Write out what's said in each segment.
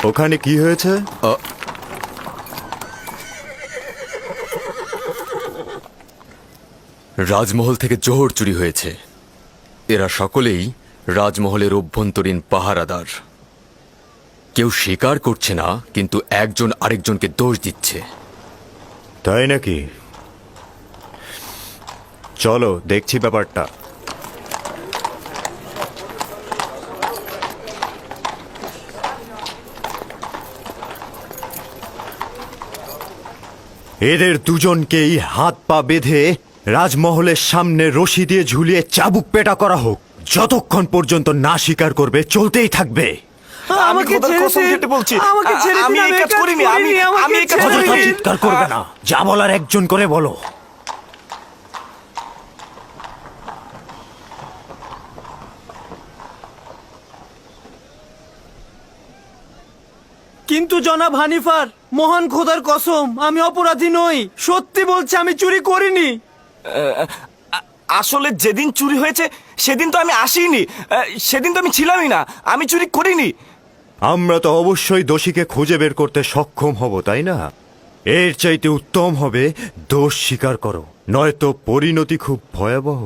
ওখানে কি হয়েছে? রাজমহল থেকে জোহর চুরি হয়েছে। এরা সকলেই রাজমহলের অভ্যন্তরীণ পাহারাদার। কেউ স্বীকার করছে না, কিন্তু একজন আরেকজনকে দোষ দিচ্ছে। তাই নাকি? চলো দেখছি ব্যাপারটা। এদের দুজনকেই হাত পা বেঁধে রাজমহলের সামনে রশি দিয়ে ঝুলিয়ে চাবুক পেটা করা হোক। যতক্ষণ পর্যন্ত না স্বীকার করবে চলতেই থাকবে। আমাকে কসম কেটে বলছি, আমি এই কাজ করিনি। আমি এই কাজ অযথা করিনি। চিৎকার করবে না, যা বলার একজন করে বলো। কিন্তু জনাব হানিফার, মহান খোদার কসম, আমি অপরাধী নই। সত্যি বলছি, আমি চুরি করিনি। আসলে যেদিন চুরি হয়েছে সেদিন তো আমি আসিনি। সেদিন তো আমি ছিলামই না। আমি চুরি করিনি। আমরা তো অবশ্যই দোষীকে খুঁজে বের করতে সক্ষম হব, তাই না? এর চাইতে উত্তম হবে দোষ স্বীকার করো, নয়তো পরিণতি খুব ভয়াবহ।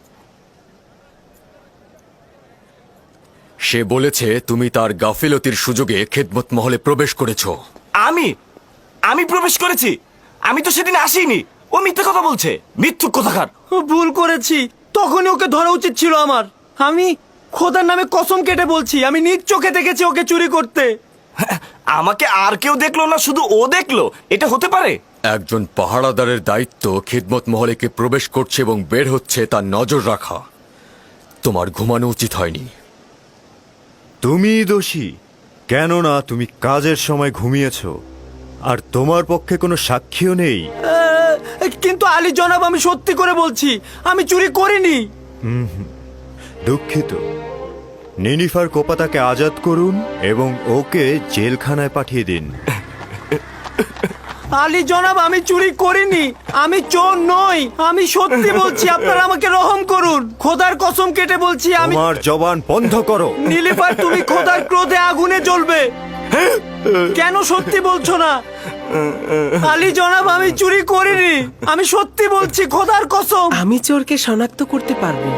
সে বলেছে তুমি তার গাফিলতির সুযোগে খেদমত মহলে প্রবেশ করেছ। আমি প্রবেশ করেছি? আমি তো সেদিন আসিনি। ও মিথ্যে কথা বলছে, মিথ্যুক কথাকার। ভুল করেছি, তখনই ওকে ধরা উচিত ছিল আমার। আমি খোদার নামে কসম কেটে বলছি, আমি নিজ চোখে দেখেছি ওকে চুরি করতে। আমাকে আর কেউ দেখলো না, শুধু ও দেখলো? এটা হতে পারে? একজন পাহারাদারের দায়িত্ব খেদমত মহলে কে প্রবেশ করছে এবং বের হচ্ছে তার নজর রাখা। তোমার ঘুমানো উচিত হয়নি। তুমি দোষী, কেননা তুমি কাজের সময় ঘুমিয়েছ, আর তোমার পক্ষে কোনো সাক্ষীও নেই। কিন্তু আলী জনাব, আমি সত্যি করে বলছি, আমি চুরি করিনি। দুঃখিত। নিনিফার কোপাতাকে আজাদ করুন এবং ওকে জেলখানায় পাঠিয়ে দিন। আলী জনাব, আমি চুরি করিনি, আমি চোর নই। আমি সত্যি বলছি, আপনারা আমাকে রহম করুন। খোদার কসম কেটে বলছি, আমি। তোমার জবান বন্ধ করো। নীলিফার, তুমি খোদার ক্রোধে আগুনে জ্বলবে। কেন সত্যি বলছো না? আলী জনাব, আমি চুরি করিনি, আমি সত্যি বলছি, খোদার কসম। আমি চোরকে শনাক্ত করতে পারবো।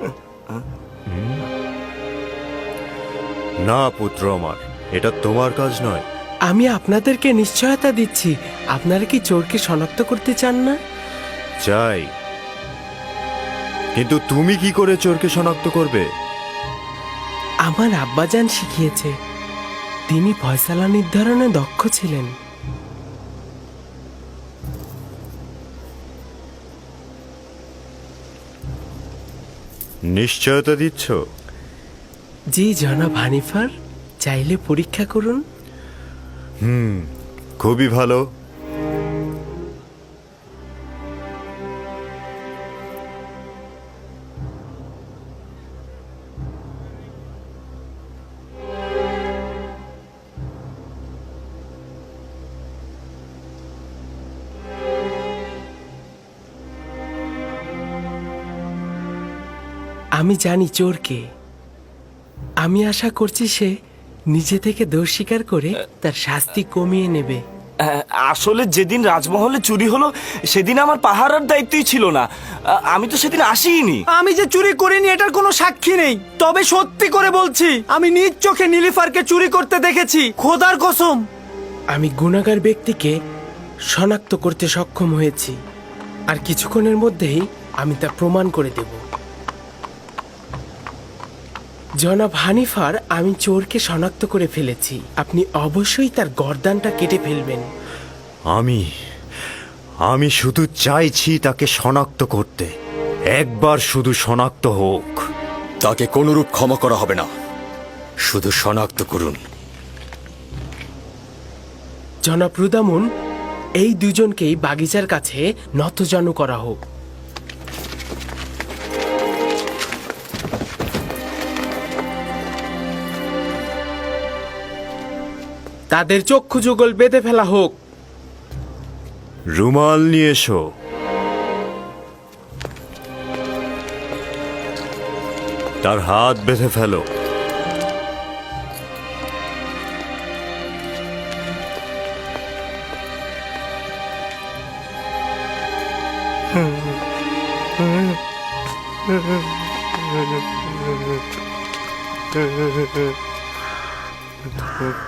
না পুত্র আমার, এটা তোমার কাজ নয়। আমি আপনাদেরকে নিশ্চয়তা দিচ্ছি। আপনারা কি চোরকে শনাক্ত করতে চান না? চাই, কিন্তু তুমি কি করে চোরকে শনাক্ত করবে? আমার আব্বাজান শিখিয়েছে। তিনি ফয়সালা নির্ধারণে দক্ষ ছিলেন। নিশ্চয়তা দিচ্ছ? জি জনাব হানিফার, চাইলে পরীক্ষা করুন। খুবই ভালো। আমি জানি চোরকে। আমি আশা করছি সে নিজে থেকে দোষ স্বীকার করে তার শাস্তি কমিয়ে নেবে। আসলে যেদিন রাজমহলে চুরি হলো সেদিন আমার পাহারার দায়িত্বই ছিল না। আমি তো সেদিন আসিনি। আমি যে চুরি করিনি এটার কোনো সাক্ষী নেই, তবে সত্যি করে বলছি, আমি নিজ চোখে নীলিফারকে চুরি করতে দেখেছি, খোদার কসম। আমি গুনাহগার ব্যক্তিকে শনাক্ত করতে সক্ষম হয়েছি, আর কিছুক্ষণের মধ্যেই আমি তা প্রমাণ করে দেব। জনাব হানিফার, আমি চোরকে শনাক্ত করে ফেলেছি। আপনি অবশ্যই তার গর্দানটা কেটে ফেলবেন। আমি শুধু চাইছি তাকে শনাক্ত করতে। একবার শুধু শনাক্ত হোক। তাকে কোনরূপ ক্ষমা করা হবে না, শুধু শনাক্ত করুন। জনাব রুদামুন, এই দুজনকেই বাগিচার কাছে নতজানু করা হোক। তাদের চক্ষু যুগল বেঁধে ফেলা হোক। রুমাল নিয়ে এসো। তার হাত বেঁধে ফেলো। হুম